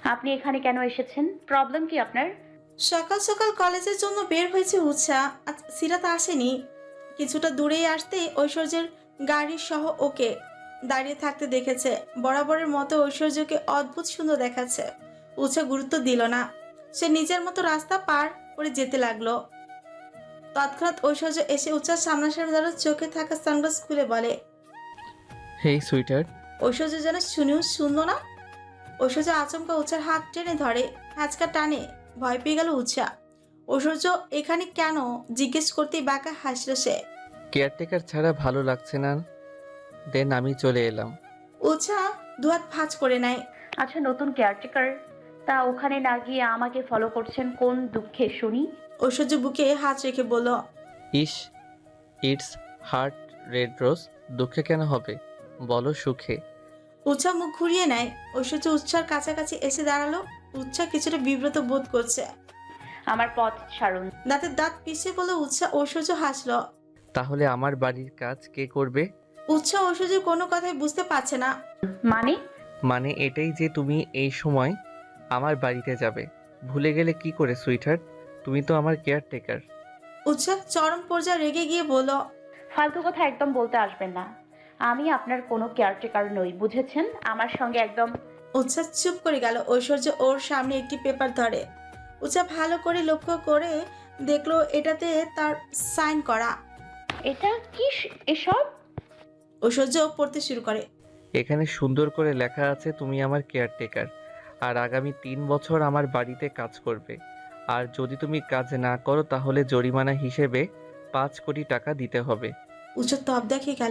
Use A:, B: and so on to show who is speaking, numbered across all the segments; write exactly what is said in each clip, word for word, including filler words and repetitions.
A: আপনি এখানে কেন এসেছেন? প্রবলেম কি আপনার?
B: সকাল সকাল কলেজের জন্য বের হয়েছে উৎসাহ। আজ সিরাত আসেনি। কিছুটা দূরেই আসতে ঐশ্বর্যের গাড়ির সহ ওকে দাঁড়িয়ে থাকতে দেখেছে। বরাবরের মতো ঐশ্বর্যকে অদ্ভুত সুন্দর দেখাচ্ছে। উৎসাহ গুরুত্ব দিল না। সে নিজের মতো রাস্তা পার করে যেতে লাগলো। তৎক্ষণাৎ ঐশ্বর্য এসে উৎসাহ সামনাসামনি দাঁড়ো, চোখে থাকা সানগ্লাস খুলে বলে।
C: হেই সুইটার।
B: ঐশ্বর্য যেন শুনেও শুনলো না। ঐশ্বর্য আচমকা উৎসার হাত টেনে ধরে। হ্যাচকা টানে। ভয় পেয়ে গেল উৎসাহ। ঐশ্বর্য এখানে কেন জিজ্ঞেস করতেই বাঁকা হাসল সে।
C: কেয়ারটেকার ছাড়া ভালো লাগছে না, দেন আমি চলে এলাম।
B: উৎসাহ দুহাত ভাঁজ করে নেয়।
A: আচ্ছা, নতুন কেয়ারটেকার, তা ওখানে না গিয়ে আমাকে ফলো করছেন কোন দুঃখে শুনি?
B: ঐশ্বর্য বুকে হাত রেখে বলল।
C: ইস, ইটস হার্ট রেড রোজ। দুঃখে কেন হবে বলো, সুখে।
B: উৎসাহ মুখ ঘুরিয়ে নেয়। ঐশ্বর্য উৎসার কাছাকাছি এসে দাঁড়ালো। উৎসাহ কিছুটা বিব্রত বোধ করছে।
A: আমার পথ ছাড়ুন।
B: দাঁতের দাঁত পিষে বলে উৎসাহ। ঐশ্বর্য হাসল।
C: তাহলে আমার বাড়ির কাজ কে করবে?
B: উৎসাহ ঐশ্বর্যের কোনো কথাই বুঝতে পারছে না।
A: মানে?
C: মানে এটাই যে তুমি এই সময় আমার বাড়িতে যাবে। ভুলে গেলে কি করে সুইটহার্ট? তুমি তো আমার কেয়ারটেকার।
B: উৎসাহ চরম পর্যায়ে রেগে গিয়ে বলল।
A: ফালতু কথা একদম বলতে আসবেন না। আমি আপনার কোনো কেয়ারটেকার নই, বুঝেছেন? আমার সঙ্গে একদম।
B: উৎসাহ চুপ করে গেল। ঐশ্বর্য ওর সামনে একটি পেপার ধরে। উৎসাহ ভালো করে লক্ষ্য করে দেখলো এটাতে তার সাইন করা।
A: এটা কি স- এসব?
B: ঐশ্বর্য পড়তে শুরু করে।
C: এখানে সুন্দর করে লেখা আছে তুমি আমার কেয়ারটেকার, আর আগামী তিন বছর আমার বাড়িতে কাজ করবে। আর যদি তুমি কাজ না করো তাহলে জরিমানা হিসেবে পাঁচ কোটি টাকা দিতে হবে।
B: উৎসাহ তপ দেখে গেল।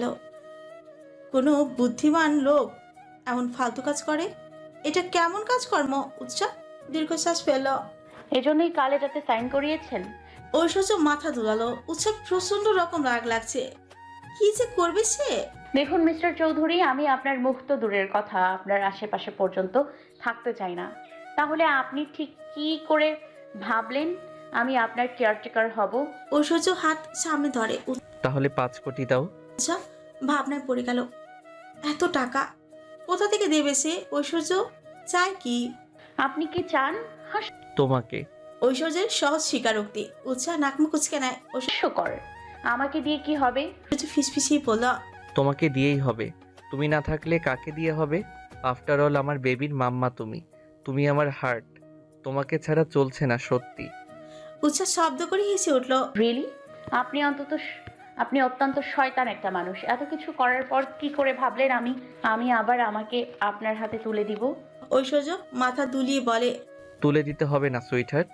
B: কোনো বুদ্ধিমান লোক এমন ফালতু কাজ করে? এটা কেমন কাজকর্ম? উৎসাহ দীর্ঘশ্বাস ফেলল।
A: এজন্যই কাল এটাতে সাইন করিয়েছেন?
B: ঐশ্বর্য মাথা দুলালো। উৎসাহ প্রচন্ড রকম রাগ লাগছে। কি যে করবে সে।
A: দেখুন মিস্টার চৌধুরী, আমি আপনার মুখ তো দূরের কথা, আপনার আশেপাশে পর্যন্ত থাকতে চাই না। তাহলে আপনি ঠিক কি করে ভাবলেন আমি আপনার কেয়ারটেকার হব?
B: ঐশ্বর্য হাত সামনে ধরে।
C: তাহলে পাঁচ কোটি দাও।
B: উৎসাহ ভাবনায় পড়ে গেল। এত টাকা কোথা থেকে দেবে সে? ঐশ্বর্য চায় কি?
A: আপনি কি চান?
C: তোমাকে।
B: ঐশ্বর্যের সহজ স্বীকারোক্তি। উৎসাহ নাকমুখ কুচকে নেয়।
A: হাস্যকর। আমাকে দিয়ে কি হবে?
B: ঐশ্বর্য ফিসফিসিয়ে বলল।
C: তোমাকে দিয়েই হবে। তুমি না থাকলে কাকে দিয়ে হবে? আফটার অল আমার বেবির মাম্মা তুমি। তুমি আমার হার্ট। তোমাকে ছাড়া চলছে না সত্যি।
B: উৎসাহ শব্দ করে হেসে উঠল।
A: রিয়েলি? আপনি অন্তত স- আপনি অত্যন্ত শয়তান একটা মানুষ। এত কিছু করার পর কি করে ভাবলেন আমি আমি আবার আমাকে আপনার হাতে তুলে দিব?
B: ঐশ্বর্য মাথা দুলিয়ে বলে।
C: তুলে দিতে হবে না সুইটহার্ট,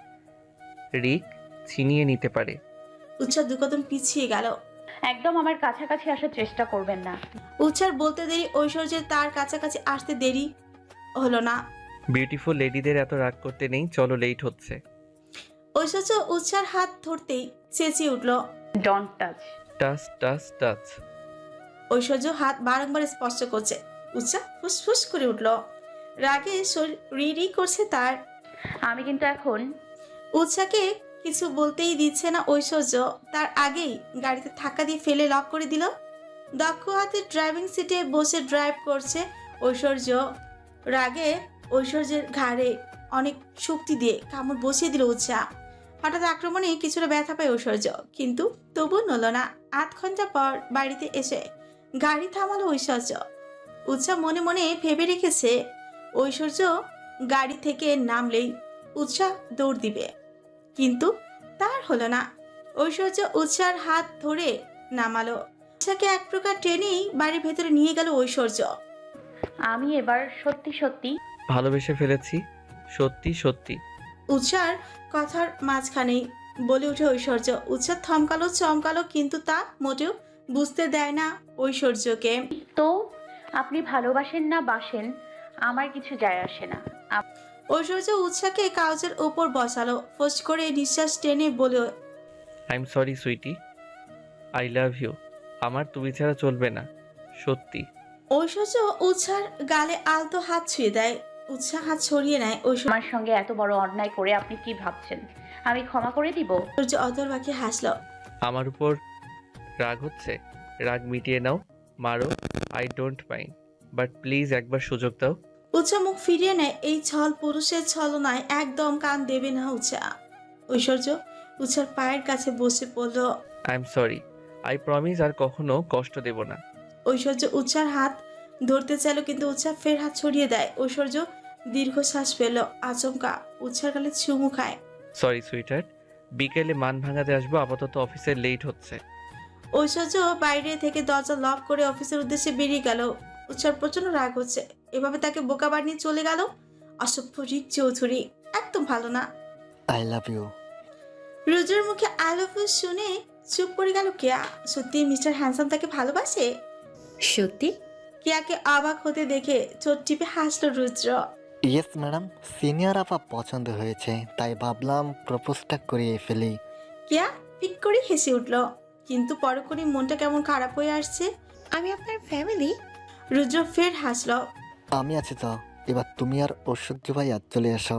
C: রিক ছিনিয়ে নিতে পারে।
B: উৎসাহ দু কদম পিছিয়ে গেল।
A: একদম আমার কাছাকাছি আসার চেষ্টা করবেন না।
B: উৎসার বলতে দেরি, ঐশ্বর্যের তার কাছাকাছি আসতে দেরি হলো না।
C: বিউটিফুল লেডিদের এত রাগ করতে নেই, চলো লেট হচ্ছে।
B: ঐশ্বর্য উৎসার হাত ধরতেই চেঁচিয়ে উঠল।
A: Don't touch.
C: Touch touch touch.
B: Aishwarya হাত বারংবার স্পর্শ করছে। উৎসাহ ফুসফুস করে উঠল। রাগে শরীর রি রি করছে তার।
A: আমি কিন্তু এখন।
B: উৎসাকে কিছু বলতেই দিচ্ছে না ঐশ্বর্য। তার আগেই গাড়িতে ধাক্কা দিয়ে ফেলে লক করে দিল। দক্ষ হাতে ড্রাইভিং সিটে বসে ড্রাইভ করছে ঐশ্বর্য। রাগে ঐশ্বর্যের ঘাড়ে অনেক শক্তি দিয়ে কামড় বসিয়ে দিল উৎসাহ। হঠাৎ আক্রমণে কিছুটা ব্যথা পায় ঐশ্বর্য, কিন্তু তবু নল না। আধ ঘন্টা পর বাড়িতে এসে গাড়ি থামালো ঐশ্বর্য। উৎসাহ মনে মনে ভেবে রেখেছে ঐশ্বর্য গাড়ি থেকে নামলেই উৎসাহ দৌড় দিবে, কিন্তু তার হলো না। ঐশ্বর্য উৎসার হাত ধরে নামালো। উৎসাকে এক প্রকার টেনেই বাড়ির ভেতরে নিয়ে গেল ঐশ্বর্য।
A: আমি এবার সত্যি সত্যি।
C: ভালোবেসে ফেলেছি, সত্যি সত্যি।
B: উৎসার কথার মাঝখানেই বলে উঠে ঐশ্বর্য। উৎসাহ থমকালো, চমকালো, কিন্তু তা মোটেও বুঝতে দেয় না ঐশ্বর্যকে।
A: তো আপনি ভালোবাসেন না বাসেন আমার কিছু যায় আসে না। আপ-
B: ঐশ্বর্য উৎসাকে কাগজের ওপর বসালো। ফোঁস করে নিঃশ্বাস টেনে বলে।
C: I am sorry sweetie, I love you. আমার তুমি ছাড়া চলবে না, সত্যি।
B: ঐশ্বর্য উৎসার গালে আলতো হাত ছুঁয়ে দেয়। উৎসাহ হাত ছড়িয়ে নেয়। ঐশ্বর্য
A: আমার সঙ্গে এত বড় অন্যায় করে আপনি কি ভাবছেন আমি ক্ষমা করে দিব?
B: অতর বাকি হাসলো।
C: আমার উপর রাগ হচ্ছে, রাগ মিটিয়ে নাও, মারো, I don't mind, but please একবার সুযোগ দাও।
B: উৎসা মুখ ফিরিয়ে নেয়। এই ছল পুরুষের ছলনায় একদম কান দেবে না উৎসা। ঐশ্বর্য উৎসার পায়ের কাছে বসে পড়ল।
C: I am sorry, I promise আর কখনো কষ্ট দেব না।
B: ঐশ্বর্য উৎসার হাত ধরতে চাইল, কিন্তু উৎসা ফের হাত ছড়িয়ে দেয়। ঐশ্বর্য দীর্ঘশ্বাস ফেল, আচমকা উৎসার গালে চুমু খায়।
C: সরি সুইটার, বিকেলে মান ভাঙাতে আসবো, আপাতত অফিসে লেট হচ্ছে।
B: ঐশ্বর্য বাইরে থেকে দরজা লক করে অফিসের উদ্দেশ্যে বেরিয়ে গেল। উৎসার প্রচন্ড রাগ হচ্ছে, এভাবে তাকে বোকা বানিয়ে চলে গেল অসভ্য রিক চৌধুরী। একদম ভালো না।
D: I love you.
B: রোজের মুখে আই লাভ ইউ শুনে চুপ করে গেল কেয়া। সত্যি মিস্টার হ্যান্ডসাম তাকে ভালোবাসে?
E: সত্যি?
B: কেয়াকে অবাক হতে দেখে চোট টিপে হাসলো রুদ্র।
D: ইয়েস ম্যাডাম, সিনিয়র আপা পছন্দ হয়েছে, তাই ভাবলাম প্রপোজটা করিয়ে ফেলি।
B: কেয়া পিক করে হেসে উঠল, কিন্তু পরক্ষণই মনটা কেমন খারাপ হয়ে আসছে।
E: আমি আপনার ফ্যামিলি?
B: রুদ্র ফের হাসলো।
D: আমি আছি তো, এবার তুমি আর ঐশ্বর্য ভাইয়া চলে এসো,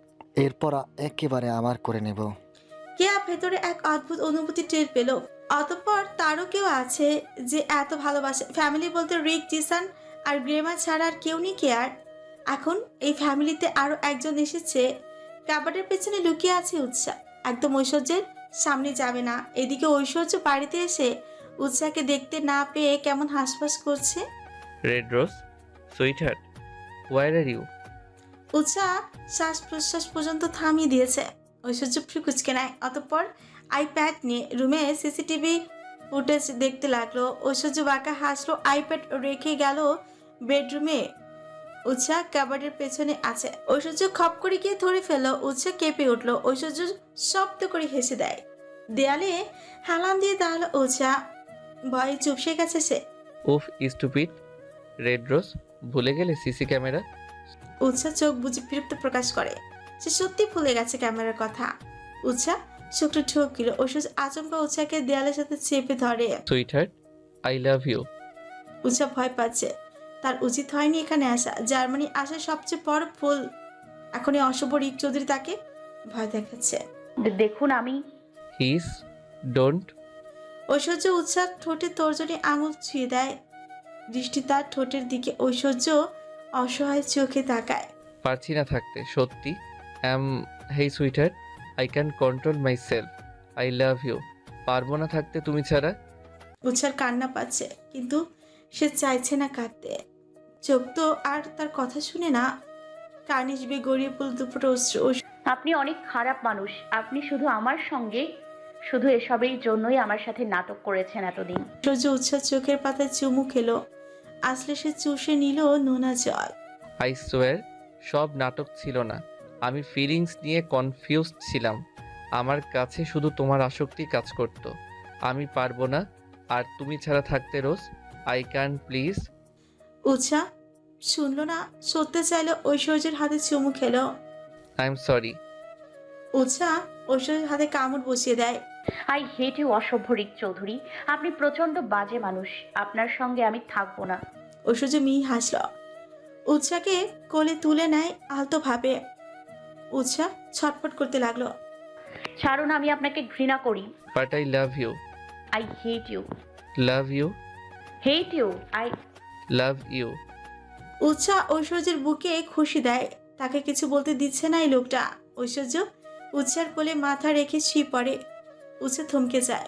D: এরপর একেবারে আমার করে নেব।
B: কেয়া ভেতরে এক অদ্ভুত অনুভূতি টের পেল। অতঃপর তারও কেউ আছে যে এত ভালোবাসে। ফ্যামিলি বলতে রিক, জিসান আর গ্রেমা ছাড়া আর কেউ নেই কেয়ার। এখন এই ফ্যামিলিতে আরো একজন এসেছে। কাবাডের পেছনে লুকিয়ে আছে উৎসাহ, একদম ঐশ্বর্যের সামনে যাবে না। এদিকে ঐশ্বর্য বাড়িতে এসে উৎসাহকে দেখতে না পেয়ে কেমন হাসফাস করছে।
C: Red rose, sweeter, where are you?
B: Utsah শ্বাস প্রশ্বাস পর্যন্ত থামিয়ে দিয়েছে। ঐশ্বর্য ফ্রিকুচকে নেয়, অতঃপর আইপ্যাড নিয়ে রুমে সিসিটিভি ফুটেজ দেখতে লাগলো। ঐশ্বর্য বাঁকা হাসলো, আইপ্যাড রেখে গেল বেডরুমে। উৎসাহ কাবাডের পেছনে আছে। ঐশ্বর্য খপ করে গিয়ে ধরে ফেললো। উৎসাহ কেঁপে উঠলো। ঐশ্বর্য শব্দ করে হেসে দেয়। দেয়ালে হালান দিয়ে দাঁড়ালো উৎসাহ, ভয়ে চুপসে গেছে সে।
C: উফ স্টুপিড। রেড রোজ, ভুলে গেলে সিসি ক্যামেরা?
B: উৎসাহ চোখ বুঝে বিরক্ত প্রকাশ করে। সে সত্যি ভুলে গেছে ক্যামেরার কথা। উৎসাহ শুক্র ঠকিল। ঐশ্বর্য আচমকা উৎসাহকে দেয়ালের সাথে চেপে ধরে।
C: Sweeter, I love you.
B: Utsah ভয় পাচ্ছে। তার উচিত হয়নি এখানে আসা। জার্মানি আসার সবচেয়ে বড় ভুল। এখন এই অশুভ রিক চৌধুরী তাকে ভয় দেখাচ্ছে।
A: দে- দেখুন আমি
C: হিস ডোন্ট।
B: ঐশ্বর্য উৎসাহ ঠোঁটে তর্জনী আঙুল ছুঁয়ে দেয়। দৃষ্টি তার ঠোঁটের দিকে। ঐশ্বর্য অসহায় চোখে তাকায়।
C: পারছি না থাকতে, সত্যি। Am hey sweeter, I can control myself. I love you. পারবো না থাকতে তুমি ছাড়া।
B: উৎসার কান্না পাচ্ছে, কিন্তু সে চাইছে না কাঁদতে। চোখ তো আর তার কথা শুনে না। কার্নিশবে গড়িয়ে পড়ল দুপুরে অশ্রু।
A: আপনি অনেক খারাপ মানুষ। আপনি শুধু আমার সঙ্গে শুধু এসবের জন্যই আমার সাথে নাটক করেছেন এতদিন।
B: ঐশ্বর্য উৎসাহ চোখের পাতায় চুমু খেলো। আসলে সে চুষে নিল নোনা জল।
C: আই সোয়ার, সব নাটক ছিল না। আমি ফিলিংস নিয়ে কনফিউজড ছিলাম। আমার কাছে শুধু তোমার আসক্তি কাজ করত। আমি পারবো না আর তুমি ছাড়া থাকতে রোজ। I can please.
B: উৎসাহ শুনলো না, সরতে চাইলো। ঐশ্বর্যের হাতে চুমু খেলো।
C: I am sorry.
B: উৎসাহ ঐশ্বর্যের হাতে কামড় বসিয়ে দেয়।
A: আই হেট ইউ অসভ্য রিক চৌধুরী। আপনি প্রচন্ড বাজে মানুষ। আপনার সঙ্গে আমি থাকবো না।
B: ঐশ্বর্য মিহি হাসল। উৎসাহকে কোলে তুলে নেয় আলতো ভাবে। উৎসাহ ছটফট করতে লাগলো।
A: ছাড়ুন, আমি আপনাকে ঘৃণা করি।
C: But I love you.
A: I hate you.
C: Love you.
A: Hate you. I
C: love you.
B: Utsah ঐশ্বর্যের বুকে খুশি দেয়। তাকে কিছু বলতে দিচ্ছে না এই লোকটা। ঐশ্বর্য উৎসার কোলে মাথা রেখে শুয়ে পড়ে। উৎসাহ থমকে যায়।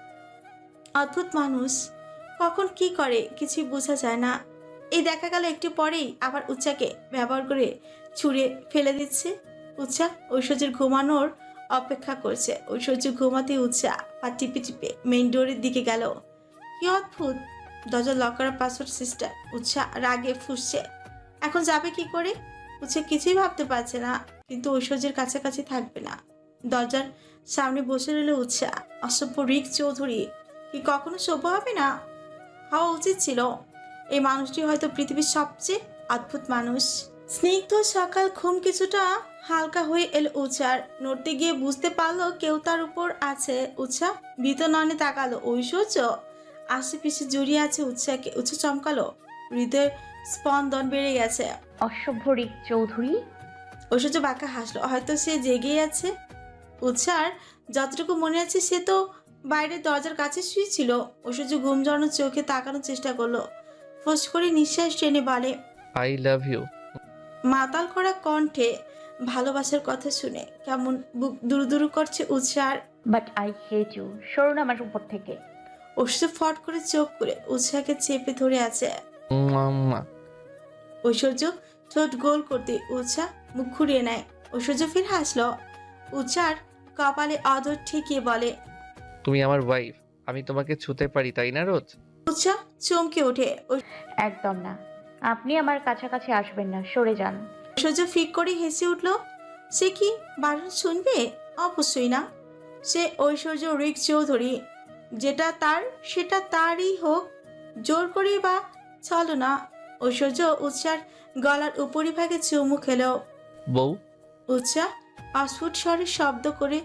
B: অদ্ভুত মানুষ, কখন কি করে কিছুই বোঝা যায় না। এই দেখা গেল একটু পরেই আবার উৎসাকে ব্যবহার করে ছুঁড়ে ফেলে দিচ্ছে। উৎসাহ ঐশ্বর্যের ঘুমানোর অপেক্ষা করছে। ঐশ্বর্য ঘুমাতে উৎসাহ পা টিপে টিপে মেইন ডোরের দিকে গেল। কি অদ্ভুত, দরজা লক করা পাসওয়ার্ড সিস্টেম। উৎসাহ রাগে ফুঁসছে। এখন যাবে কি করে? উৎসাহ কিছুই ভাবতে পারছে না, কিন্তু ঐশ্বর্যের কাছাকাছি থাকবে না। দরজার সামনে বসে রইল উৎসাহ। অসভ্য রিক চৌধুরী কি কখনো সভ্য হবে না? হওয়া উচিত ছিল। এই মানুষটি হয়তো পৃথিবীর সবচেয়ে অদ্ভুত মানুষ। স্নিগ্ধ সকাল ঘুম কিছুটা হালকা হয়ে এলো উৎসার। নড়তে গিয়ে বুঝতে পারলো কেউ তার উপর আছে। উৎসাহ ভীত নয়নে তাকালো। ঐশ্বর্য আশেপিছে জড়িয়ে আছে উৎসাহকে। উৎসাহ চমকালো, হৃদয়ের স্পন্দন বেড়ে গেছে।
A: অসভ্য রিক চৌধুরী।
B: ঐশ্বর্য বাঁকা হাসলো, হয়তো সে জেগেই আছে। উৎসার যতটুকু মনে আছে সে তো বাইরের দরজার কাছে শুয়েছিল। ঐশ্বর্য ঘুম জড়ানো চোখে তাকানোর চেষ্টা করলো। ফোঁস করে নিঃশ্বাস টেনে বলে,
C: আই লাভ ইউ।
B: মাতাল করা কণ্ঠে ভালোবাসার কথা শুনে কেমন বুক দুরু দুরু করছে উৎসার।
A: বাট আই হেট ইউ, সরুন আমার উপর থেকে।
B: ঐশ্বর্য ফট করে চোখ করে উৎসাহকে চেপে ধরে আছে।
C: মুয়া, মুয়া।
B: ঐশ্বর্য ঠোঁট গোল করতে উৎসাহ মুখ ঘুরিয়ে নেয়। ঐশ্বর্য ফির হাসলো। উৎসার কপালে অধর ঠেকিয়ে বলে,
C: তুমি আমার ওয়াইফ, আমি তোমাকে ছুতে পারি তাই না রোজ?
B: উৎসাহ চমকে ওঠে।
A: একদম না, আপনি আমার কাছাকাছি আসবেন না, সরে যান।
B: ঐশ্বর্য ফিক করে হেসে উঠল। সে কি বারণ শুনবে? অবশ্যই না। সে ঐশ্বর্য রিক চৌধুরী, যেটা তার সেটা তারই হোক, জোর করি বা চলো না। ঐশ্বর্য উৎসার গলার উপরিভাগে চুমু খেলো।
C: বউ,
B: উৎসাহ অস্ফুট স্বরে শব্দ করে।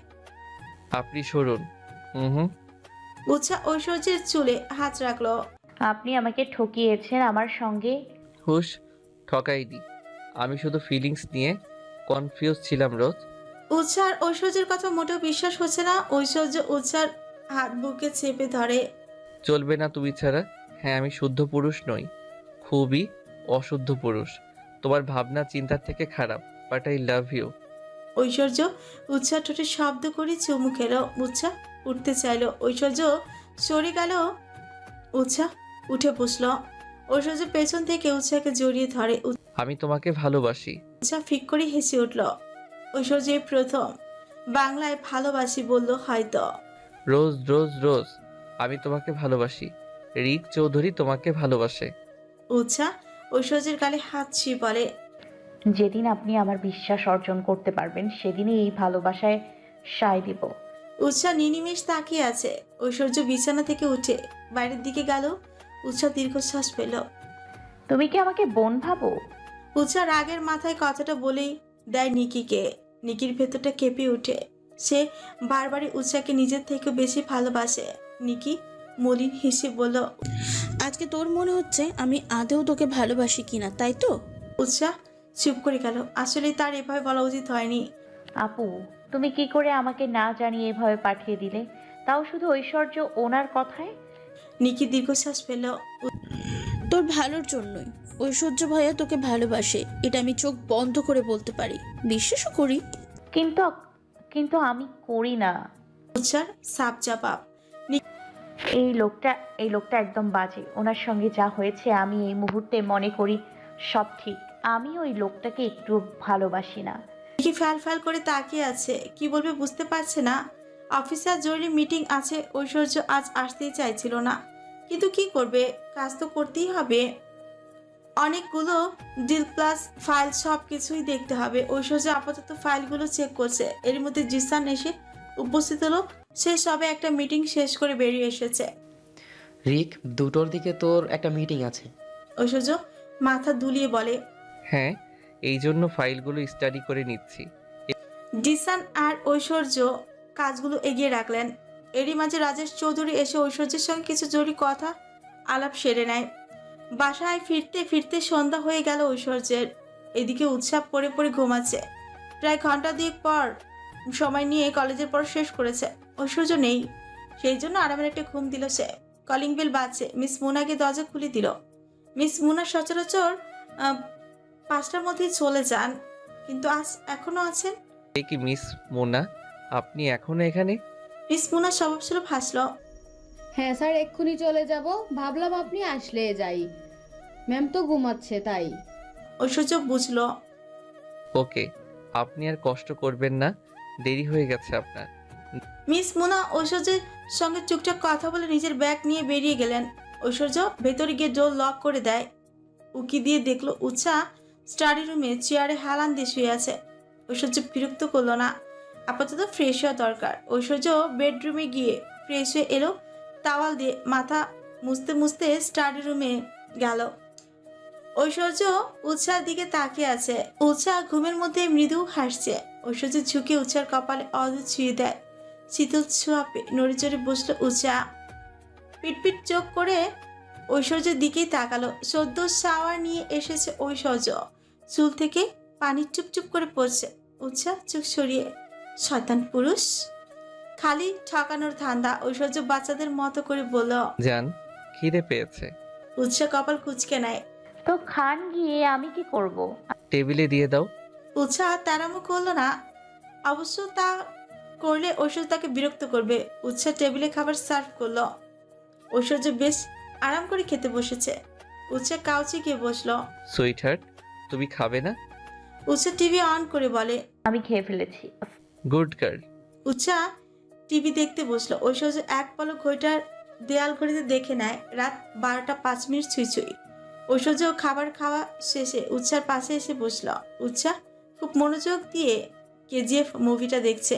C: আপনি সরুন। হুম হুম।
B: উৎসাহ ঐশ্বর্যের চুলে হাত রাখলো।
A: আপনি আমাকে ঠকিয়েছেন আমার সঙ্গে।
C: হুশ, ঠকাইনি, আমি শুধু ফিলিংস নিয়ে কনফিউজ ছিলাম রোজ।
B: উৎসার ঐশ্বর্যের কথা মোটেও বিশ্বাস হচ্ছে না। ঐশ্বর্য উৎসার হাত বুকে চেপে ধরে।
C: চলবে না তুমি ছাড়া। হ্যাঁ, আমি শুদ্ধ পুরুষ নই, খুবই অশুদ্ধ পুরুষ। তোমার ভাবনা চিন্তার থেকে খারাপ, but I love you.
B: Aishwarya Utsah ঠোঁটে শব্দ করে চুমু খেলো। উৎসাহ উঠতে চাইলো, ঐশ্বর্য সরে গেল। উৎসাহ উঠে বসলো। ঐশ্বর্য পেছন থেকে উৎসাহকে জড়িয়ে ধরে।
C: আমি তোমাকে ভালোবাসি।
B: উৎসাহ ফিক করে হেসে উঠল। ঐশ্বর্য এই প্রথম বাংলায় ভালোবাসি বলল হয়তো।
C: রোজ রোজ রোজ, আমি তোমাকে ভালোবাসি। রিক চৌধুরী তোমাকে ভালোবাসে।
B: উৎসাহ ঐশ্বর্যের গালে হাত ছুঁয়ে বলে,
A: যেদিন আপনি আমার বিশ্বাস অর্জন করতে পারবেন সেদিনই এই ভালোবাসায় সায় দিব।
B: উৎসাহ নিনিমেষ তাকিয়ে আছে। ঐশ্বর্য বিছানা থেকে উঠে বাইরের দিকে গেল। উৎসাহ দীর্ঘশ্বাস পেল।
A: তুমি কি আমাকে বোন ভাবো?
B: উৎসাহ রাগের মাথায় কথাটা বলেই দেয় নিকিকে। নিকির ভেতরটা কেঁপে উঠে। সে বারবারই উৎসাহকে নিজের থেকে বেশি ভালোবাসে। নিকি মলিন হেসে বলল,
F: আজকে তোর মনে হচ্ছে আমি আদেও তোকে ভালোবাসি কিনা, তাই তো?
B: উৎসাহ চুপ করে গেল। আসলে তার এভাবে বলা উচিত হয়নি।
A: আপু, তুমি কি করে আমাকে না জানিয়ে এভাবে পাঠিয়ে দিলে, তাও শুধু ঐশ্বর্য ওনার কথায়?
B: নিকি দীর্ঘশ্বাস ফেলল।
F: তোর ভালোর জন্যই ঐশ্বর্য ভাইয়া তোকে ভালোবাসে, এটা আমি চোখ বন্ধ করে বলতে পারি, বিশ্বাসও করি।
A: কিন্তু কিন্তু আমি করি না।
B: উৎসাহ সাপ চাপাপ।
A: এই লোকটা এই লোকটা একদম বাজে। ওনার সঙ্গে যা হয়েছে আমি এই মুহূর্তে মনে করি সব ঠিক। আমি ওই লোকটাকে একটু ভালোবাসি না।
B: নিকি ফ্যাল ফ্যাল করে তাকিয়ে আছে, কি বলবে বুঝতে পারছে না। অফিসার জরুরি মিটিং আছে, ঐশ্বর্য আজ আসতেই চাইছিল না, কিন্তু কি করবে, কাজ তো করতেই হবে। অনেকগুলো ডিল প্লাস ফাইল সব কিছুই দেখতে হবে। ঐশ্বর্য আপাতত ফাইলগুলো চেক করছে। এর মধ্যে জিসান এসে উপস্থিত হলো। সে সবে একটা মিটিং শেষ করে বেরিয়ে এসেছে।
G: রিক, দুটোর দিকে তোর একটা মিটিং আছে।
B: ঐশ্বর্য মাথা দুলিয়ে বলে।
C: হ্যাঁ, এই জন্য ফাইলগুলো স্টাডি করে নিচ্ছি।
B: জিসান আর ঐশ্বর্য কাজগুলো এগিয়ে রাখলেন। এরই মাঝে রাজেশ চৌধুরী এসে ঐশ্বর্যের সঙ্গে কিছু জরুরি কথা আলাপ সেরে নেয়। বাসায় ফিরতে ফিরতে সন্ধ্যা হয়ে গেল ঐশ্বর্যের। এদিকে উৎসাহ পড়ে পড়ে ঘুমাচ্ছে। প্রায় ঘন্টা দুয়েক পর সময় নিয়ে কলেজের পড়া শেষ করেছে। ঐশ্বর্য নেই, সেই জন্য আরামের একটা ঘুম দিল সে। কলিং বেল বাজছে। মিস মুনাকে দরজা খুলে দিল। মিস মুনা সচরাচর আহ, পাঁচটার মধ্যেই চলে যান, কিন্তু আজ এখনো আছেন।
C: এ কি মিস মোনা, আপনি এখনো এখানে?
B: মিস মুনা স্বভাবস্বরূপ হাসল।
H: হ্যাঁ স্যার, এক্ষুনি চলে যাব। ভাবলাম আপনি আসলে যাই, ম্যাম তো ঘুমাচ্ছে তাই।
B: ঐশ্বর্য বুঝলো।
C: ওকে, আপনি আর কষ্ট করবেন না, দেরি হয়ে গেছে আপনার।
B: মিস মুনা ঐশ্বর্যের সঙ্গে চুপচাপ কথা বলে নিজের ব্যাগ নিয়ে বেরিয়ে গেলেন। ঐশ্বর্য ভেতরে গিয়ে ডোর লক করে দেয়। উকি দিয়ে দেখলো উৎসাহ স্টাডি রুমে চেয়ারে হেলান দিয়ে শুয়ে আছে। ঐশ্বর্য বিরক্ত করলো না, আপাতত ফ্রেশ হওয়া দরকার। ঐশ্বর্য বেডরুমে গিয়ে ফ্রেশ হয়ে এলো। তাওয়াল দিয়ে মাথা মুছতে মুছতে স্টাডি রুমে গেল। ঐশ্বর্য উৎসাহের দিকে তাকিয়ে আছে। উৎসাহ ঘুমের মধ্যে মৃদু হাসছে। ঐশ্বর্য ঝুঁকে উৎসার কপালে অদূর ছুঁয়ে দেয়। শীতল ছোঁয়াপে নড়ে চড়ে বসলো উৎসাহ। পিটপিট চোখ করে ঐশ্বর্যের দিকেই তাকালো। সদ্য শাওয়ার নিয়ে এসেছে ঐশ্বর্য, চুল থেকে পানি চুপচুপ করে পড়ছে। উৎসাহ চোখ সরিয়ে, শয়তান পুরুষ, খালি ঠকানোর ধান্দা। ঐশ্বর্য বাচ্চাদের মতো করে বলল।
C: যান, খিদে পেয়েছে।
B: উৎসাহ কপাল কুঁচকে নেয়।
A: তো খান গিয়ে, আমি কি করব?
C: টেবিলে দিয়ে দাও।
B: উৎসাহ তারামো করলো না। অবশ্য তা করলে ঐশ্বর্য তাকে বিরক্ত করবে। উৎসাহ টেবিলে খাবার সার্ভ করলো। ঐশ্বর্য বেশ আরাম করে খেতে বসেছে। উৎসাহ কাউচে গিয়ে বসলো।
C: সুইট হার্ট, তুমি খাবে না?
B: উৎসাহ টিভি অন করে বলে।
A: আমি খেয়ে ফেলেছি।
C: Good girl.
B: উৎসাহ টিভি দেখতে বসলো। ঐশ্বর্য এক পলক ঘড়িটার দেয়াল ঘড়িতে দেখে নেয় রাত বারোটা পাঁচ মিনিট ছুঁই ছুঁই। ঐশ্বর্য খাবার খাওয়া শেষে উৎসার পাশে এসে বসলো। উৎসাহ খুব মনোযোগ দিয়ে কেজিএফ মুভিটা দেখছে।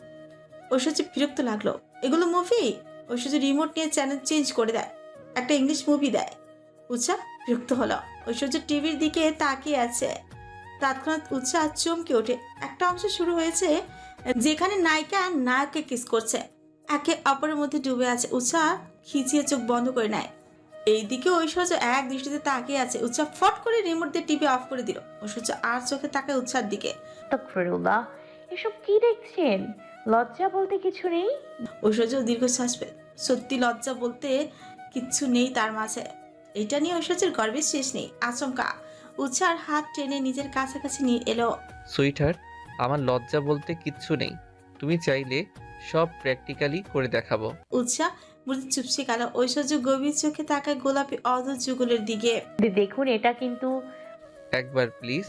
B: ঐশ্বর্য বিরক্ত লাগলো। এগুলো মুভি? ঐশ্বর্য রিমোট নিয়ে চ্যানেল চেঞ্জ করে দেয়, একটা ইংলিশ মুভি দেয়। উৎসাহ বিরক্ত হলো। ঐশ্বর্য টিভির দিকে তাকিয়ে আছে। তৎক্ষণাৎ উৎসাহ চমকে ওঠে। একটা অংশ শুরু হয়েছে যেখানে নায়িকা নায়ককে কিস করছে, একে অপরের মধ্যে ডুবে আছে। উৎসাহ খিচিয়ে চোখ বন্ধ করে নেয়। এইদিকে ঐশ্বর্য এক দৃষ্টিতে তাকিয়ে আছে। উৎসাহ ফট করে রিমোট দিয়ে টিভি অফ করে দিল। ঐশ্বর্য আর চোখে তাকায় উৎসার দিকে।
A: আস্তাগফিরুল্লাহ, এসব কি দেখছেন? লজ্জা বলতে কিছু নেই?
B: ঐশ্বর্য দীর্ঘশ্বাস পেল। সত্যি লজ্জা বলতে কিচ্ছু নেই তার মাঝে। এটা নিয়ে ঐশ্বর্যের গর্বের শেষ নেই। আচমকা উৎসার হাত টেনে নিজের কাছাকাছি নিয়ে এলো।
C: সুইট হার্ট, আমার লজ্জা বলতে কিচ্ছু নেই। তুমি চাইলে সব প্র্যাকটিক্যালি করে দেখাবো।
B: উৎসাহ মুড়ি চুপসে গেল। ঐশ্বর্য গভীর চোখে তাকায় গোলাপি অধর যুগলের দিকে।
A: দে- দেখুন এটা কিন্তু।
C: একবার প্লিজ।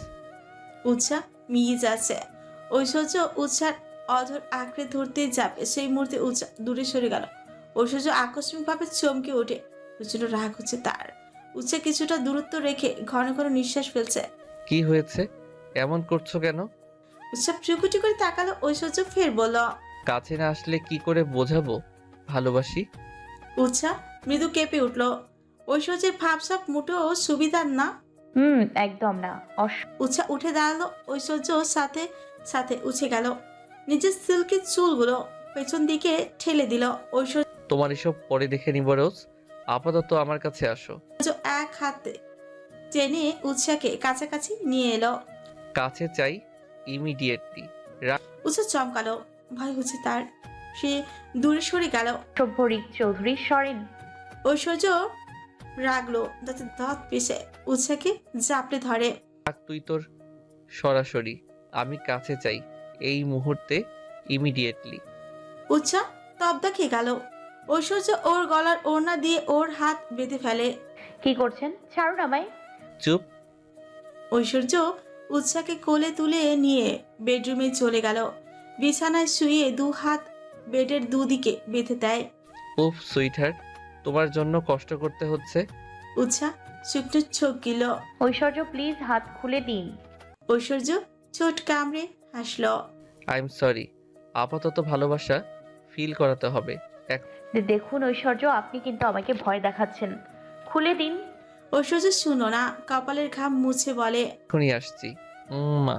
B: উৎসাহ মিয়ে যাচ্ছে। ঐশ্বর্য উৎসার অধর আঁকড়ে ধরতেই যাবে, সেই মুহূর্তে উৎসাহ দূরে সরে গেল। ঐশ্বর্য আকস্মিকভাবে চমকে ওঠে। প্রচন্ড রাগ হচ্ছে তার। উৎসাহ কিছুটা দূরত্ব রেখে ঘন ঘন নিঃশ্বাস ফেলছে।
C: কি হয়েছে? এমন করছো কেন?
B: উৎসাহ চুকুটি করে তাকালো। ঐশ্বর্য ফের বলল।
C: কাছে না আসলে কি করে বোঝাবো ভালোবাসি?
B: উৎসাহ মৃদু কেঁপে উঠল। ঐশ্বর্যের ভাবসাব মোটেও সুবিধার না।
A: হুম, একদম না। অস
B: উৎসাহ উঠে দাঁড়ালো। ঐশ্বর্য সাথে সাথে উঠে গেল। নিজের সিল্কের চুলগুলো পেছন দিকে ঠেলে দিল। ঐশ্বর্য
C: তোমার এসব পরে দেখে নিব রোজ। আপাতত আমার কাছে আসো।
B: এক হাতে টেনে উৎসাহকে কাছাকাছি নিয়ে এলো।
C: কাছে চাই ইমিডিয়েটলি।
B: উৎসাহ চমকালো। ভয় হচ্ছে তার। সে দূরে সরে গেল।
A: সভ্য রিক চৌধুরী সরেন।
B: ঐশ্বর্য রাগলো, যাতে দাঁত পিষে উৎসাহকে জাপড়ে ধরে।
C: থাক তুই তোর সরাসরি। আমি কাছে চাই এই মুহূর্তে, ইমিডিয়েটলি।
B: উৎসাহ তবদা খেয়ে গেল। ঐশ্বর্য ওর গলার ওড়না দিয়ে ওর হাত বেঁধে ফেলে।
A: কি করছেন? ছাড়ুন আমায়।
C: চুপ।
B: ঐশ্বর্য উৎসাহকে কোলে তুলে নিয়ে বেডরুমে চলে গেল। বিছানায় শুয়ে দু হাত বেডের দুদিকে বেঁধে দেয়।
C: উফ সুইট হার্ট, তোমার জন্য কষ্ট করতে হচ্ছে।
B: উৎসাহ শুকনো চোখ গিল।
A: ঐশ্বর্য প্লিজ হাত খুলে দিন।
B: ঐশ্বর্য ছোট কামড়ে হাসল।
C: I am sorry. আপাতত ভালোবাসা ফিল করাতে হবে।
A: দে- দেখুন ঐশ্বর্য, আপনি কিন্তু আমাকে ভয় দেখাচ্ছেন। খুলে দিন।
B: ঐশ্বর্য শুনো না, কপালের ঘাম মুছে বলে।
C: এখনই আসছি। উম, মা।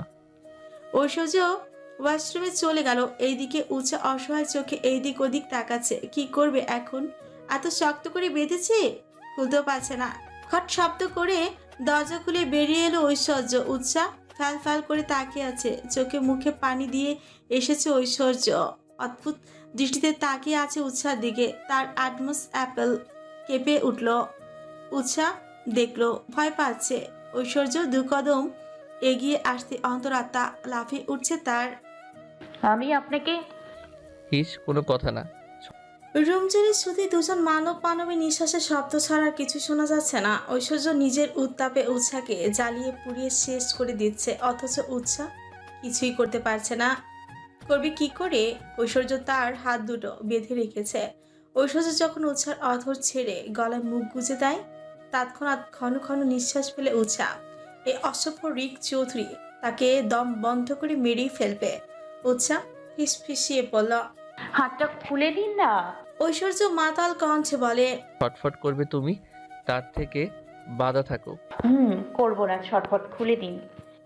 B: ঐশ্বর্য ওয়াশরুমে চলে গেল। এইদিকে উৎসাহ অসহায় চোখে এইদিক ওদিক তাকাচ্ছে। কি করবে এখন? এত শক্ত করে বেঁধেছে, খুলতেও পারছে না। খট শব্দ করে দরজা খুলে বেরিয়ে এলো ঐশ্বর্য। উৎসাহ ফ্যাল ফ্যাল করে তাকিয়ে আছে। চোখে মুখে পানি দিয়ে এসেছে ঐশ্বর্য। অদ্ভুত দৃষ্টিতে তাকিয়ে আছে উৎসার দিকে। তার আটমস অ্যাপেল কেঁপে উঠল। উৎসাহ দেখলো ভয় পাচ্ছে। ঐশ্বর্য দু কদম এগিয়ে আসতে অন্তরাত্মা লাফিয়ে উঠছে তার।
A: আমি আপনাকে।
C: হিস, কোনো কথা না।
B: রুম জুড়ে শুধু দুজন মানব মানবী নিঃশ্বাসের শব্দ ছাড়া আর কিছু শোনা যাচ্ছে না। ঐশ্বর্য নিজের উত্তাপে উৎসাহকে জ্বালিয়ে পুড়িয়ে শেষ করে দিচ্ছে, অথচ উৎসাহ কিছুই করতে পারছে না। করবে কি করে? ঐশ্বর্য তার হাত দুটো বেঁধে রেখেছে। ঐশ্বর্য যখন উৎসার অধর ছেড়ে গলায় মুখ গুজে দেয়, তৎক্ষণাৎ ঘন ঘন নিঃশ্বাস ফেলে উৎসাহ। এই অসভ্য রিক চৌধুরী তাকে দম বন্ধ করে মেরেই ফেলবে। উৎসাহ ফিস ফিসিয়ে বলল।
A: হাতটা খুলে দিন না।
B: ঐশ্বর্য মাতাল কণ্ঠে বলে।
C: ছটফট করবে তুমি, তার থেকে বাধা থাকো।
A: হুম, করবো না। ছটফট খুলে দিন।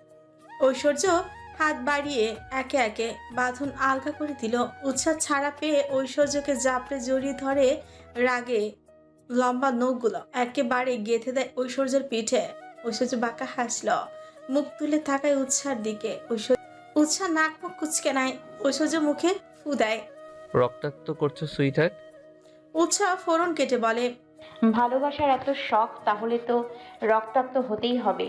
B: ঐশ্বর্য হাত বাড়িয়ে একে একে বাঁধন আলগা করে দিল। উৎসাহ ছাড়া পেয়ে ঐশ্বর্যকে জাপড়ে জড়িয়ে ধরে রাগে লম্বা নখগুলো একেবারে গেঁথে দেয় ঐশ্বর্যের পিঠে। ঐশ্বর্য বাঁকা হাসল, মুখ তুলে থাকায় উৎসার দিকে। ঐশ্বর্য উৎসাহ নাক মুখ কুচকে নেয়। ঐশ্বর্য মুখে ফু দেয়।
C: রক্তাক্ত করছো সুইট হার্ট।
B: উৎসাহ ফোড়ন কেটে বলে।
A: ভালোবাসার এত শখ, তাহলে তো রক্তাক্ত হতেই হবে।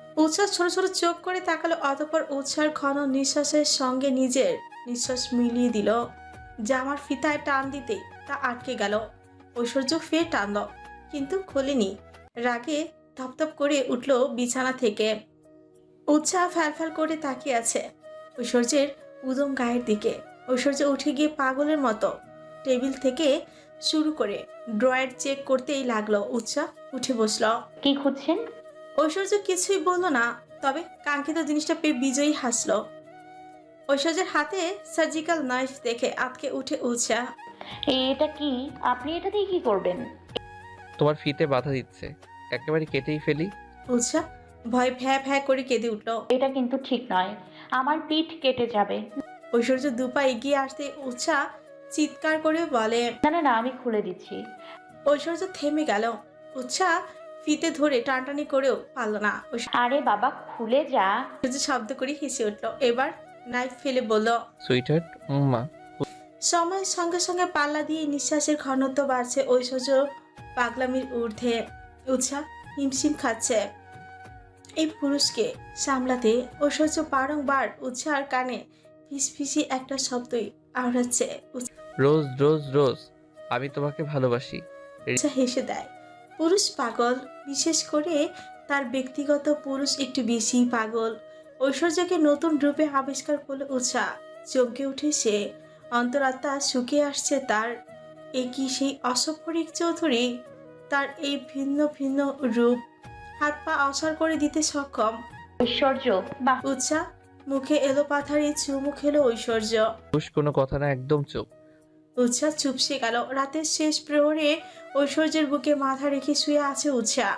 B: উৎসাহ ছোট ছোট চোখ করে তাকালো, অতঃপর উৎসার ঘন নিঃশ্বাসের সঙ্গে নিজের নিঃশ্বাস মিলিয়ে দিল। জামার ফিতায় টান দিতেই তা আটকে গেল। ঐশ্বর্য ফের টানল, কিন্তু খোলেনি। রাগে ধপধপ করে উঠল বিছানা থেকে। উৎসাহ ফ্যালফ্যাল করে তাকিয়ে আছে ঐশ্বর্যের উদম গায়ের দিকে। ঐশ্বর্য উঠে গিয়ে পাগলের মতো টেবিল থেকে শুরু করে ড্রয়ার চেক করতেই লাগলো। উৎসাহ উঠে বসল।
A: কি খুঁজছেন?
B: ঐশ্বর্য কিছুই বলল না, তবে কাঙ্ক্ষিত জিনিসটা পেয়ে বিজয়ী হাসলো। ঐশ্বর্যের হাতে সার্জিক্যাল নাইফ দেখে আটকে উঠে উৎসাহ।
A: এটা কি? আপনি এটা দিয়ে কি করবেন?
C: তোমার ফিতে বাধা দিচ্ছে, একেবারে কেটেই ফেলি।
B: উৎসাহ ভয় ভ্যা ভ্যা করে কেঁদে উঠল।
A: এটা কিন্তু ঠিক নয়, আমার পিঠ কেটে যাবে।
B: ঐশ্বর্য দুপা এগিয়ে আসতে উৎসাহ চিৎকার করে বলে।
A: না না না, আমি খুলে দিচ্ছি।
B: ঐশ্বর্য থেমে গেল। উৎসাহ ফিতে ধরে টানটানি করেও পারল না।
A: আরে বাবা, খুলে যা।
B: ঐশ্বর্য শব্দ করে হেসে উঠল। এবার নাইফ ফেলে বলল।
C: সুইটহার্ট, উম্মা।
B: সময়ের সঙ্গে সঙ্গে পাল্লা দিয়ে নিঃশ্বাসের ঘনত্ব বাড়ছে ঐশ্বর্য পাগলামির ঊর্ধ্বে। উৎসাহ হিমশিম খাচ্ছে এই পুরুষকে সামলাতে। ঐশ্বর্য বারংবার উৎসাহর কানে ফিসফিসি একটা শব্দই আওড়াচ্ছে।
C: রোজ রোজ রোজ, আমি তোমাকে ভালোবাসি।
B: উৎসাহ হেসে দেয়। পুরুষ পাগল, বিশেষ করে তার ব্যক্তিগত পুরুষ একটু বেশি পাগল। ঐশ্বর্যকে নতুন রূপে আবিষ্কার করলে উৎসাহ চমকে উঠে সে। অন্তরাত্মা শুকিয়ে আসছে তার। এ কি সেই অসফরিক চৌধুরী? তার এই ভিন্ন ভিন্ন রূপ হাত পা অসার করে দিতে সক্ষম।
A: ঐশ্বর্য, বাহ।
B: উৎসাহ মুখে এলো পাথারে চুমু খেলো ঐশ্বর্য।
C: পুষ কোনো কথা না, একদম চুপ।
B: উৎসাহ চুপসে গেল। রাতের শেষ প্রহরে ঐশ্বর্যের বুকে মাথা রেখে শুয়ে আছে উৎসাহ।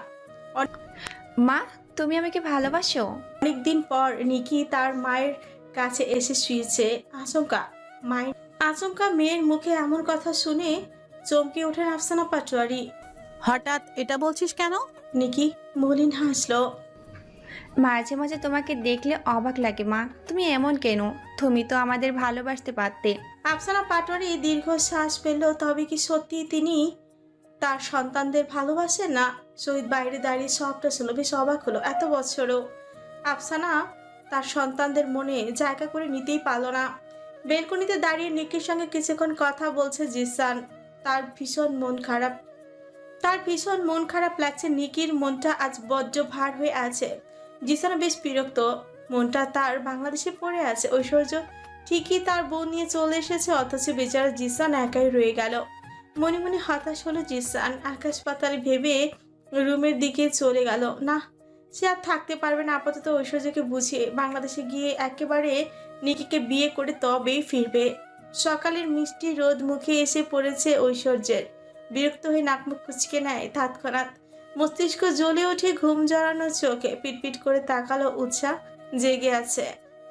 E: মা, তুমি আমাকে ভালোবাসো?
B: অনেকদিন পর নিকি তার মায়ের কাছে এসে শুয়েছে। আচমকা মায়ের আচমকা মেয়ের মুখে এমন কথা শুনে চমকে ওঠেন আফসানা পাটোয়ারি।
I: হঠাৎ এটা বলছিস কেন?
B: নিকি মলিন হাসলো।
E: মাঝে মাঝে তোমাকে দেখলে অবাক লাগে মা, তুমি এমন কেন? তুমি তো আমাদের ভালোবাসতে পারতে।
B: আফসানা পাটোয়ারি দীর্ঘ শ্বাস ফেলল। তবে কি সত্যি তিনি তার সন্তানদের ভালোবাসেন? না। শহীদ বাইরে দাঁড়িয়ে সবটা ছিল, বেশ অবাক হলো। এত বছরও আফসানা তার সন্তানদের মনে জায়গা করে নিতেই পারল না। বেলকনিতে দাঁড়িয়ে নিকির সঙ্গে কিছুক্ষণ কথা বলছে জিসান। তার ভীষণ মন খারাপ তার ভীষণ মন খারাপ লাগছে। নিকির মনটা আজ বড্ড ভার হয়ে আছে। জিসানও বেশ বিরক্ত, মনটা তার বাংলাদেশে পড়ে আছে। ঐশ্বর্য ঠিকই তার বউ নিয়ে চলে এসেছে, অথচ বেচারা জিসান একাই রয়ে গেল। মনে মনে হতাশ হলো জিসান। আকাশ পাতাল ভেবে রুমের দিকে চলে গেল। না, সে আর থাকতে পারবে না। আপাতত ঐশ্বর্যকে বুঝিয়ে বাংলাদেশে গিয়ে একেবারে নিকিকে বিয়ে করে তবেই ফিরবে। সকালের মিষ্টি রোদ মুখে এসে পড়েছে ঐশ্বর্যের। বিরক্ত হয়ে নাকমুখ কুচকে নেয় তৎক্ষণাৎ। মস্তিষ্ক জ্বলে ওঠে, ঘুম জড়ানো চোখে পিটপিট করে তাকালো। উৎসাহ জেগে আছে।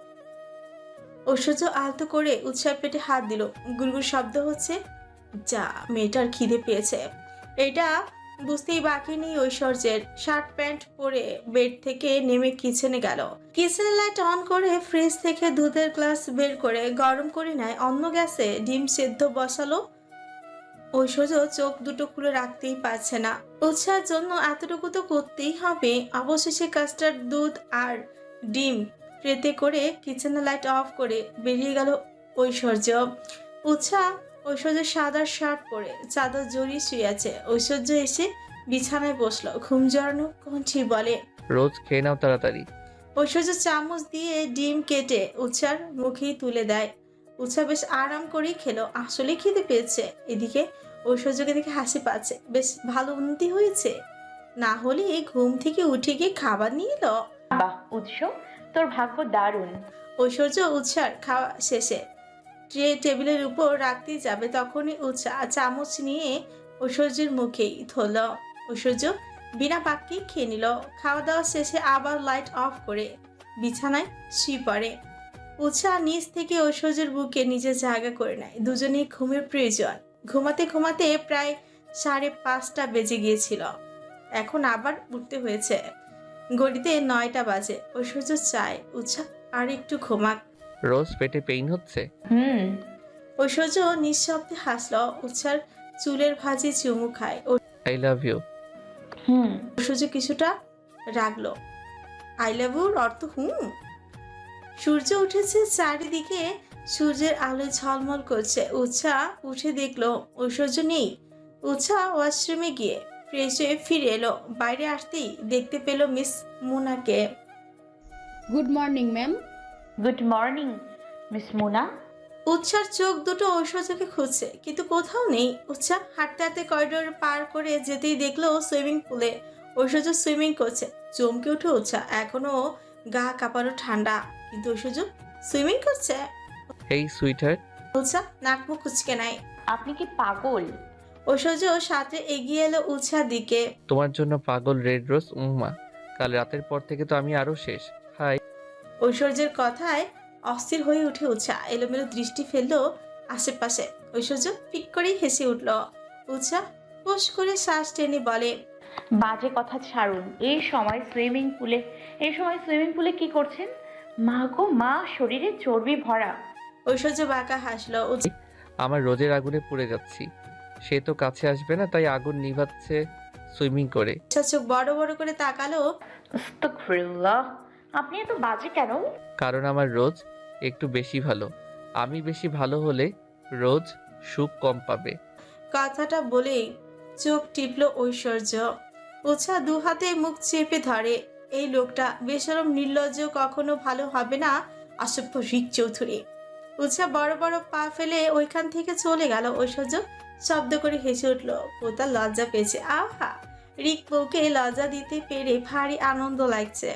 B: ঐশ্বর্য আলতো করে উৎসাহ পেটে হাত দিল। গুড়গুড় শব্দ হচ্ছে। যা, মেয়েটার খিদে পেয়েছে। এটা বুঝতেই বাকি নেই ঐশ্বর্যের। শার্ট প্যান্ট পরে বেড থেকে নেমে কিচেনে গেল। কিচেনের লাইট অন করে ফ্রিজ থেকে দুধের গ্লাস বের করে গরম করে নেয়। অন্য গ্যাসে ডিম সেদ্ধ বসালো। ঐশ্বর্য চোখ দুটো খুলে রাখতেই পারছে না। উৎসাহের জন্য এতটুকু তো করতেই হবে। অবশেষে কাস্টার্ড দুধ আর ডিম ট্রেতে করে কিচেনের লাইট অফ করে বেরিয়ে গেল ঐশ্বর্য। উৎসাহ ঐশ্বর্যের সাদা শার্ট পরে চাদর জড়িয়ে শুয়ে আছে। ঐশ্বর্য এসে বিছানায় বসলো। ঘুম জড়ানো কণ্ঠে বলে।
C: রোজ খেয়ে নাও তাড়াতাড়ি।
B: ঐশ্বর্য চামচ দিয়ে ডিম কেটে উৎসার মুখেই তুলে দেয়। উৎসাহ বেশ আরাম করেই খেলো। আসলে খিদে পেয়েছে। এদিকে ঐশ্বর্যকে দেখে হাসি পাচ্ছে। বেশ ভালো উন্নতি হয়েছে। না হলে ঘুম থেকে উঠে গিয়ে খাবার নিয়ে এলো।
A: বাহ উৎস, তোর ভাগ্য দারুণ।
B: ঐশ্বর্য উৎসার খাওয়া শেষে ট্রে টেবিলের উপর রাখতেই যাবে, তখনই উৎসাহ চামচ নিয়ে ঐশ্বর্যের মুখেই ধরল। ঐশ্বর্য বিনা বাক্যেই খেয়ে নিল। খাওয়া দাওয়া শেষে আবার লাইট অফ করে বিছানায় শুয়ে পড়ে। উৎসাহ নিচ থেকে ঐশ্বর্যের বুকে নিজের জায়গা করে নেয়। দুজনেই ঘুমের প্রয়োজন। ঘুমাতে ঘুমাতে প্রায় সাড়ে পাঁচটা বেজে গিয়েছিল। এখন আবার উঠতে হয়েছে। ঘড়িতে নয়টা বাজে। ঐশ্বর্য চায় উৎসাহ আর একটু ঘুমাক।
C: রোজ পেটে পেইন হচ্ছে?
A: হুম।
B: ঐশ্বর্য নিঃশব্দে হাসল। উৎসার চুলের ভাঁজে চুমু খায়।
C: I love you.
A: হুম।
B: ঐশ্বর্য কিছুটা রাগলো। আই লাভ ইউর অর্থ হুম। সূর্য উঠেছে চারিদিকে, সূর্যের আলো ঝলমল করছে। উৎসা উঠে দেখলো ঐশ্বর্য নেই। উৎসা ওয়াশরুমে গিয়ে ফ্রেশ হয়ে ফিরে এলো। বাইরে আসতেই দেখতে পেল মিস মুনাকে।
H: Good morning ma'am.
A: Good morning miss Muna.
B: উৎসার চোখ দুটো ঐশ্বর্যকে খুঁজছে, কিন্তু কোথাও নেই। উৎসা হাঁটতে হাঁটতে করিডোর পার করে যেতেই দেখলো সুইমিং পুলে ঐশ্বর্য সুইমিং করছে। চমকে উঠে উৎসা, এখনো গা কাঁপানো ঠান্ডা, কিন্তু ঐশ্বর্য সুইমিং করছে।
C: এই সুইটার,
B: উৎসা নাক মুখ কুচকে নাই।
A: আপনি কি পাগল?
B: ঐশ্বর্য সাথে এগিয়ে এলো উৎসার দিকে।
C: তোমার জন্য পাগল রেড রোজ উম্মা। কাল রাতের পর থেকে তো আমি আরো শেষ। হাই।
B: ঐশ্বর্যের কথায় অস্থির হয়ে উঠে উৎসা এলোমেলো দৃষ্টি ফেললো আশেপাশে। ঐশ্বর্য পিক করেই হেসে উঠল। উৎসা পোষ করে শ্বাস টেনে বলে,
A: বাজে কথা ছাড়ুন। এই সময় সুইমিং পুলে এই সময় সুইমিং পুলে কি করছেন? মা গো মা, শরীরে চর্বি ভরা।
B: ঐশ্বর্য বাঁকা হাসলো। উৎসা
C: আমার রোজের আগুনে পুড়ে যাচ্ছি, সে তো কাছে আসবে না, তাই আগুন নিভাচ্ছে সুইমিং করে।
B: চোখ বড় বড় করে তাকালো।
A: আস্তাগফিরুল্লাহ, আপনি এত বাজে কেন?
C: কারণ আমার রোজ একটু বেশি ভালো। আমি বেশি ভালো হলে রোজ সুখ কম পাবে।
B: কথাটা বলেই চোখ টিপলো ঐশ্বর্য। উৎসা দু হাতে মুখ চেপে ধরে। এই লোকটা বেশরম নির্লজ্জ, কখনো ভালো হবে না। অসভ্য রিক চৌধুরী। উৎসা বড় বড় পা ফেলে ওইখান থেকে চলে গেল। ঐশ্বর্য শব্দ করে হেসে উঠলো। পোতা লজ্জা পেয়েছে। আহা, রিক বউকে লজ্জা দিতে পেরে ভারী আনন্দ লাগছে।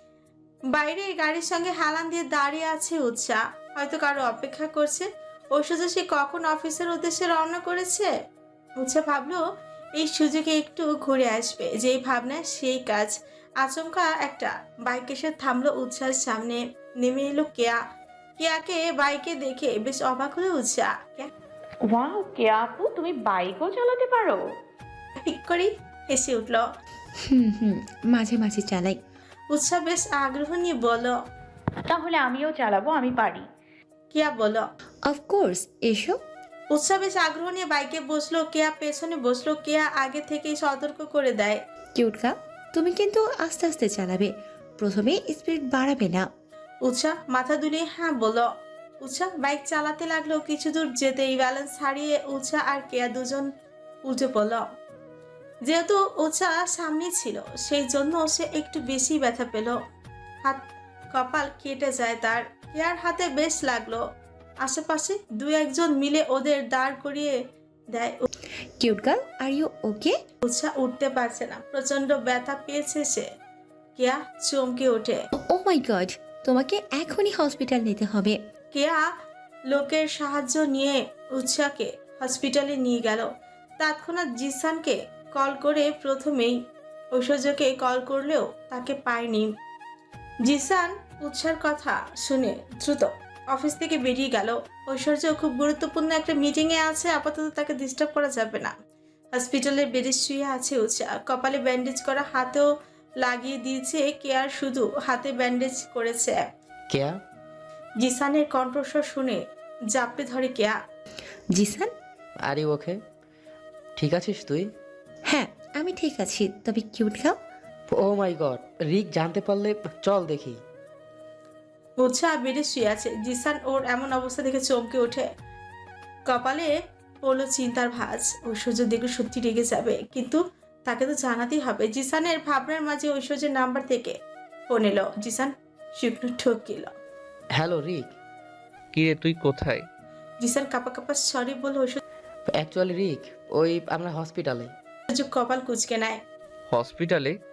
B: বাইরে গাড়ির সঙ্গে হেলান দিয়ে দাঁড়িয়ে আছে উৎসা, হয়তো কারো অপেক্ষা করছে। ঐশ্বর্য সে কখন অফিসের উদ্দেশ্যে রওনা করেছে। উৎসা ভাবলো এই সুযোগে একটু ঘুরে আসবে। যেই ভাবনা সেই কাজ। আচমকা একটা বাইক এসে থামলো উৎসার সামনে। নেমে এলো কেয়া। কেয়াকে বাইকে দেখে বেশ অবাক হলো উৎসা। কেয়া
A: ওয়াও, কে আপু, তুমি বাইকও চালাতে পারো?
B: ঠিক করে হেসে উঠল।
E: হুম হুম মাঝে মাঝে চালাই।
B: উৎসা বেশ আগ্রহ নিয়ে বলল,
A: তাহলে আমিও চালাবো, আমি পারি।
B: কেয়া বলল।
E: অফকোর্স, এসো।
B: উৎসা বেশ আগ্রহ নিয়ে বাইকে বসলো। কেয়া পেছনে বসলো। কেয়া আগে থেকেই সতর্ক করে দেয়।
E: কিউটকা, তুমি কিন্তু আস্তে আস্তে চালাবে, প্রথমে স্পিড বাড়াবে না।
B: উৎসা মাথা দুলিয়ে হ্যাঁ বলল। উৎসা বাইক চালাতে লাগলো। কিছু দূর যেতেই ব্যালেন্স হারিয়ে উৎসা আর কেয়া দুজন উল্টে পড়ল। যেহেতু উৎসা সামনে ছিল, সেই জন্য সে একটু বেশি ব্যথা পেল। হাত কপাল কেটে যায় তার। কেয়ার হাতে বেশ লাগলো। আশেপাশে দু একজন মিলে ওদের দাঁড় করিয়ে দেয়।
E: Cute girl, are you okay?
B: Utsa উঠতে পারছে না, প্রচন্ড ব্যথা পেয়েছে সে। কেয়া চমকে ওঠে।
E: ও মাই গড, তোমাকে এখনই হসপিটাল নিতে হবে।
B: কেয়া লোকের সাহায্য নিয়ে উৎসাকে হসপিটালে নিয়ে গেল। তৎক্ষণাৎ জিসানকে কল করে, প্রথমেই ঐশ্বর্যকে কল করলেও তাকে পায়নি। জিসান উৎসার কথা শুনে দ্রুত অফিস থেকে বেরিয়ে গেল। ঐশ্বর্য খুব গুরুত্বপূর্ণ একটা মিটিংয়ে আছে, আপাতত তাকে ডিস্টার্ব করা যাবে না। হসপিটালের বেডে শুয়ে আছে উৎসা। কপালে ব্যান্ডেজ করা, হাতেও লাগিয়ে দিয়েছে। কেয়ার শুধু হাতে ব্যান্ডেজ করেছে।
G: কেয়া,
B: জিসানের কণ্ঠস্বর শুনে জাপটে ধরে কেয়া।
E: জিসান?
G: আর ইউ ওকে? ঠিক আছিস তুই?
E: হ্যাঁ, আমি ঠিক আছি, তবে cute girl.
G: Oh my god, Rick জানতে পারলে? চল দেখি।
B: উৎসাহ বেডে শুয়ে আছে। জিসান ওর এমন অবস্থা দেখে চমকে ওঠে। কপালে পড়লো চিন্তার ভাঁজ। ঐশ্বর্য দেখলে সত্যি রেগে যাবে, কিন্তু তাকে তো জানাতেই হবে। জিসানের ভাবনার মাঝে ঐশ্বর্যের নাম্বার থেকে ফোন এলো। জিসান শুকনো ঠকিল।
G: হ্যালো রিক।
C: কি রে, তুই কোথায়?
B: জিসান কাপা কাপা সরি বলে ঐশ্বর্য
G: অ্যাকচুয়ালি রিক, ওই আমরা হসপিটালে।
B: কপাল কুচকে নেয়।
C: হসপিটালে?